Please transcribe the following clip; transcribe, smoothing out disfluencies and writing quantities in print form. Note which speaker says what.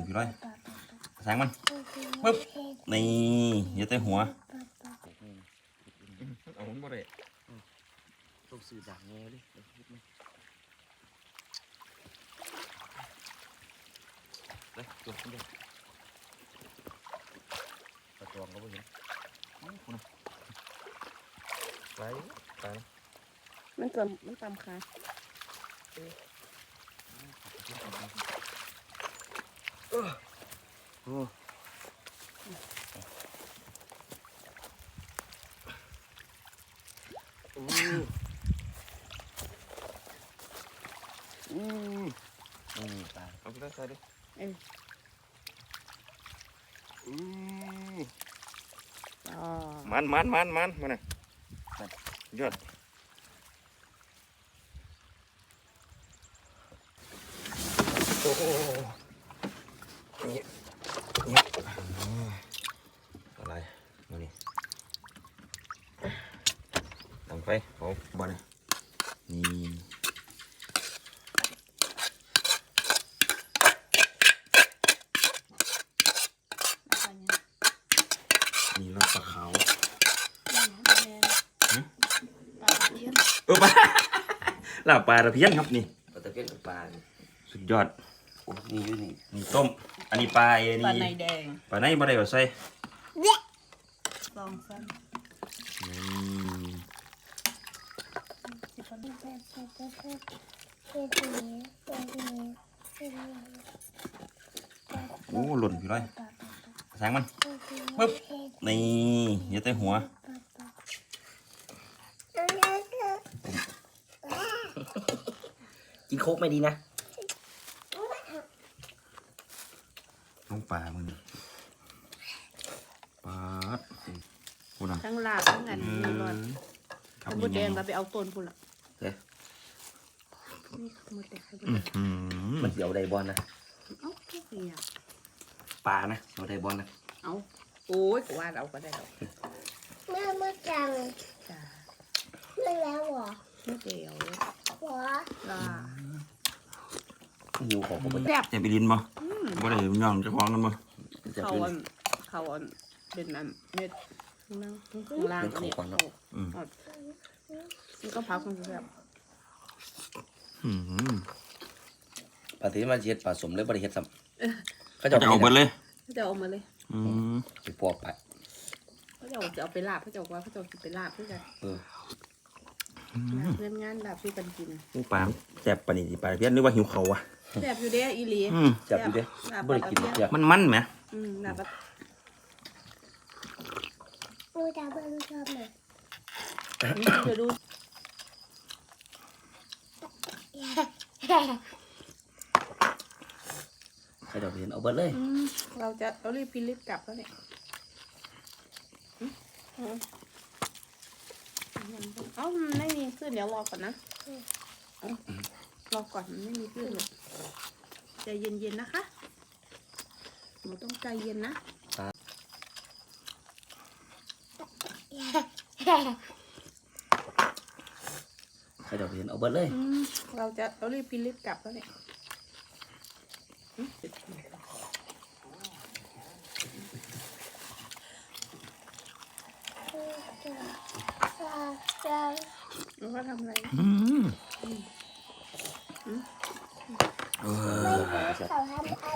Speaker 1: พี่ร้อยแสงมันปึ๊บนี่อย่าเตะหัวเอาหุ่นบ่ได้ต้องสื่อด่างแง่ดิเลยตัวขึ้นเลยตะกรองก็ไม่เห็นคุณไปไป
Speaker 2: มันตำขา
Speaker 1: โอ้ตายเอาไปได้ใส่ดิมันมาน่ะยอดโอ้โหนี่อะไรมานี่ตั้งไฟเอาบ่เนี่ยนี่รสปลาขาวปลาลาบปลาตะเพียนครับนี่
Speaker 3: ปลาตะเพียนกับปลา
Speaker 1: สุดยอด
Speaker 3: นี่อยู่นี่
Speaker 1: นี่ต้มอันนี้ปลาอันนี้
Speaker 2: ปลาในแดง
Speaker 1: ปลาในบ่ได้ก็ใส่
Speaker 2: ลองสั้น
Speaker 1: โอ้หล่นพี่ร้อยแสงมันปึ๊บนี่อย่าเตะหัว
Speaker 3: กินโคกไม่ดีนะ
Speaker 1: น้องปลามึงปลาพูดนะ
Speaker 2: ทั้งลาบทั้งอันนี้ร้อนถ้าหมดแดงเราไปเอาต้นพุ่นละนี่หมดแดง
Speaker 3: มันเสียวไดบอลนะ
Speaker 2: เอ้าทุกอย่าง
Speaker 3: ปลานะเสียวไดบอลนะ
Speaker 2: เอาโอ้ยกูว่าเราก็ได้เรา
Speaker 4: เมื่อจัง
Speaker 2: จ้า
Speaker 4: เมื่อแล้วเหรอ
Speaker 2: ไม่เกี่ยว
Speaker 4: หัว
Speaker 2: ลา
Speaker 3: หิวของผม
Speaker 2: แซ่บ
Speaker 1: จะไปลินบ่บ่ได้ย่องจะคล้องกันบ่
Speaker 2: เขาเป็นอันเม็ดนั่งข้างล่างเนี่ยมันก็พักมันแซ่บ
Speaker 3: ปลาที่มาเช็ดปลาสมเลยบริเฮ็ดซ้ำ
Speaker 1: เขาจะเอาเบิดเลย
Speaker 2: เขาจะเอามาเลย
Speaker 3: ไปพอกไป
Speaker 2: เขาจะเอาไปลาบเขาจะว่าเขาจะกินไปลาบเพื่อกันเพื่อนงานลาบช่วยกันกิน
Speaker 1: ลูกปลาแซ่บปานนี้ปลาเพี้ยนนึกว่าหิวเขาอ่ะ
Speaker 2: แซ่บอยู่เด้อีหลี
Speaker 3: แซ่บอยู่เด้บริกินเจ้า
Speaker 1: มันไหม
Speaker 2: ลาบ
Speaker 4: ดูตาเบิ้งชอบไหม
Speaker 2: เดี๋ยวดู
Speaker 3: ให้เราเห็นเอาเบิดเลย
Speaker 2: เรารีบพิลิปกลับแล้วเนี่ยไม่มีขึ้นเดี๋ยวรอก่อนนะรอก่อนมันไม่มีขึ้นเลยใจเย็นๆนะคะหนูต้องใจเย็นนะ
Speaker 3: ให้เราเห็นเอาเบิดเลย
Speaker 2: เรารีบพิลิปกลับแล้วเนี่ยแล้วก็ทำอะไร
Speaker 4: เขาทำอะไร